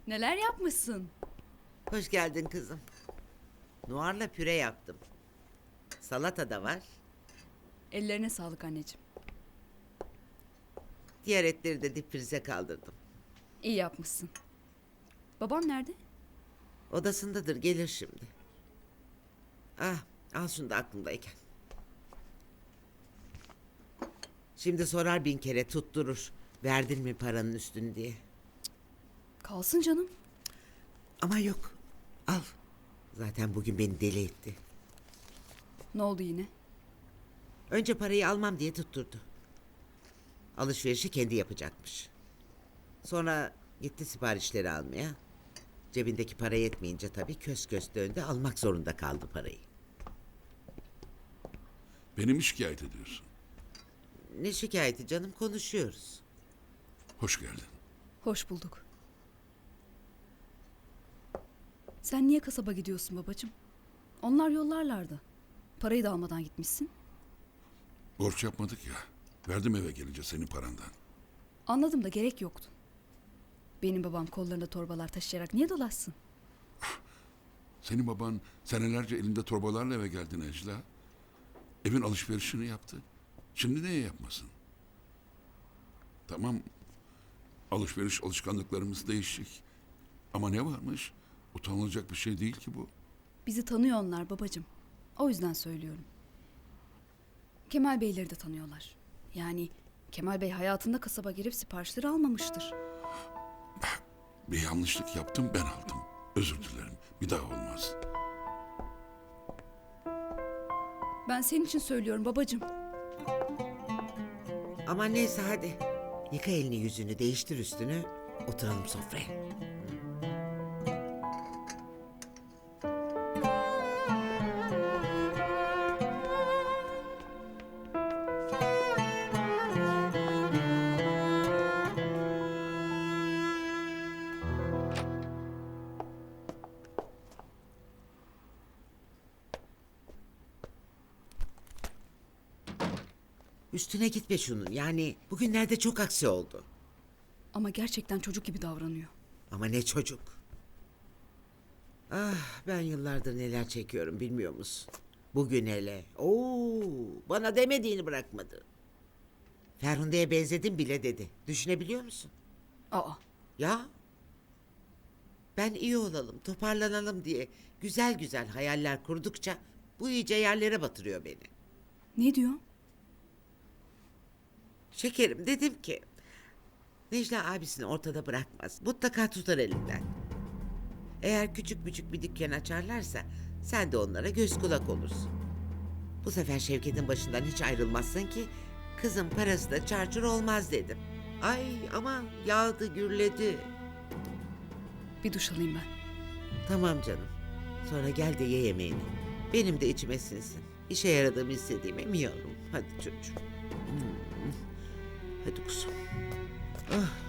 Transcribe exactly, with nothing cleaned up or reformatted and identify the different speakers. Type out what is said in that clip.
Speaker 1: Neler yapmışsın?
Speaker 2: Hoş geldin kızım. Noir'la püre yaptım. Salata da var.
Speaker 1: Ellerine sağlık anneciğim.
Speaker 2: Diğer etleri de dipfrize kaldırdım.
Speaker 1: İyi yapmışsın. Babam nerede?
Speaker 2: Odasındadır, gelir şimdi. Ah, al şunu da aklımdayken. Şimdi sorar bin kere, tutturur. Verdin mi paranın üstünü diye.
Speaker 1: Kalsın canım.
Speaker 2: Ama yok, al. Zaten bugün beni deli etti.
Speaker 1: Ne oldu yine?
Speaker 2: Önce parayı almam diye tutturdu. Alışverişi kendi yapacakmış. Sonra gitti siparişleri almaya. Cebindeki para yetmeyince tabii kös kös döndü, almak zorunda kaldı parayı.
Speaker 3: Beni mi şikayet ediyorsun?
Speaker 2: Ne şikayeti canım, konuşuyoruz.
Speaker 3: Hoş geldin.
Speaker 1: Hoş bulduk. Sen niye kasaba gidiyorsun babacığım? Onlar yollarlardı. Parayı da almadan gitmişsin.
Speaker 3: Borç yapmadık ya. Verdim eve gelince senin parandan.
Speaker 1: Anladım da gerek yoktu. Benim babam kollarında torbalar taşıyarak niye dolaşsın?
Speaker 3: Senin baban senelerce elinde torbalarla eve geldi Necla. Evin alışverişini yaptı. Şimdi niye yapmasın? Tamam. Alışveriş alışkanlıklarımız değişik. Ama ne varmış? Utanılacak bir şey değil ki bu.
Speaker 1: Bizi tanıyor onlar babacığım. O yüzden söylüyorum. Kemal Beyleri de tanıyorlar. Yani Kemal Bey hayatında kasaba girip siparişleri almamıştır.
Speaker 3: Bir yanlışlık yaptım, ben aldım. Özür dilerim. Bir daha olmaz.
Speaker 1: Ben senin için söylüyorum babacığım.
Speaker 2: Ama neyse hadi. Yıka elini yüzünü, değiştir üstünü. Oturalım sofraya. Üstüne gitme şunun. Yani bugünlerde çok aksi oldu.
Speaker 1: Ama gerçekten çocuk gibi davranıyor.
Speaker 2: Ama ne çocuk. Ah, ben yıllardır neler çekiyorum bilmiyor musun? Bugün hele. Oo, bana demediğini bırakmadı. Ferhunde'ye benzedim bile dedi. Düşünebiliyor musun?
Speaker 1: Aa,
Speaker 2: Ya. Ben iyi olalım, toparlanalım diye güzel güzel hayaller kurdukça bu iyice yerlere batırıyor beni.
Speaker 1: ne diyor?
Speaker 2: Şekerim, dedim ki Necla abisini ortada bırakmaz. Mutlaka tutar elinden. Eğer küçük küçük bir dükkan açarlarsa sen de onlara göz kulak olursun. Bu sefer Şevket'in başından hiç ayrılmazsın ki kızın parası da çarçur olmaz dedim. Ay ama yağdı gürledi.
Speaker 1: Bir duş alayım ben.
Speaker 2: Tamam canım. Sonra gel de ye yemeğini. Benim de içime sinsin. İşe yaradığımı istediğim emiyorum. Hadi çocuğum. Hmm. Hadi kuzum. Ah.